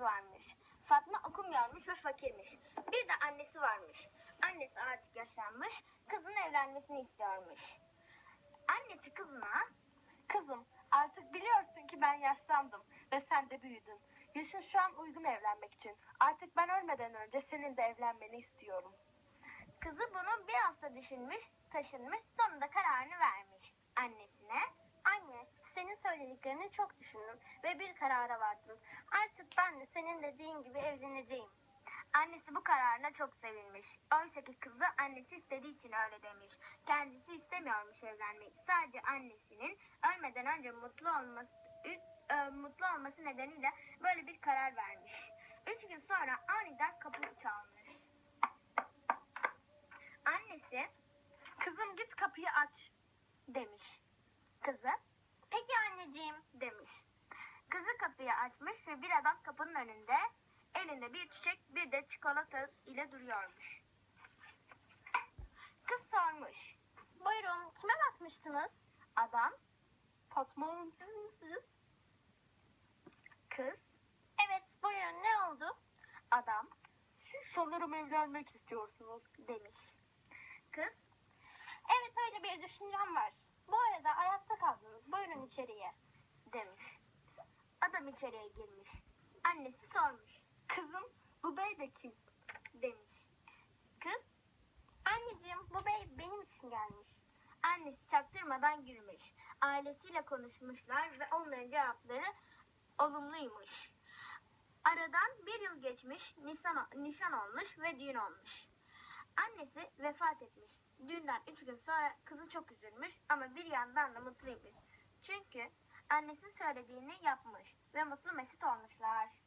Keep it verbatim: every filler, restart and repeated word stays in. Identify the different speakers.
Speaker 1: varmış. Fatma okumuyormuş ve fakirmiş. Bir de annesi varmış. Annesi artık yaşlanmış, kızın evlenmesini istiyormuş. Annesi kızına,
Speaker 2: Kızım, artık biliyorsun ki ben yaşlandım ve sen de büyüdün. Yaşın şu an uygun evlenmek için. Artık ben ölmeden önce senin de evlenmeni istiyorum.
Speaker 1: kızı bunu bir hafta düşünmüş, taşınmış, sonunda kararını vermiş. Annesine, anne senin söylediklerini çok düşündüm ve bir karara vardım. Artık ben de senin dediğin gibi evleneceğim. Annesi bu kararına çok sevinmiş. Oysa ki kızı annesi istediği için öyle demiş. Kendisi istemiyormuş evlenmeyi. Sadece annesinin ölmeden önce mutlu olması, e, mutlu olması nedeniyle böyle bir karar vermiş. Üç gün sonra aniden kapı çalmış. Annesi
Speaker 2: Kızım git kapıyı aç.
Speaker 1: demiş. Kızı, peki anneciğim demiş. Kızı kapıyı açmış ve bir adam kapının önünde elinde bir çiçek bir de çikolata ile duruyormuş. Kız sormuş. Buyurun kime bakmıştınız? Adam,
Speaker 2: Fatma Hanım siz misiniz?
Speaker 1: kız, evet buyurun ne oldu? Adam
Speaker 2: Siz sanırım evlenmek istiyorsunuz.
Speaker 1: demiş. Kız, evet öyle bir düşüncem var. Bu arada ayakta kaldınız buyurun içeriye demiş. Adam içeriye girmiş. Annesi sormuş.
Speaker 2: Kızım, bu bey de kim?
Speaker 1: Demiş. Kız, anneciğim bu bey benim için gelmiş. Annesi çaktırmadan gülmüş. Ailesiyle konuşmuşlar ve onların cevapları olumluymuş. Aradan bir yıl geçmiş, nişan, nişan olmuş ve düğün olmuş. Annesi vefat etmiş. Düğünden üç gün sonra kızı çok üzülmüş ama bir yandan da mutluymuş. Çünkü annesi söylediğini yapmış ve mutlu mesut olmuşlar.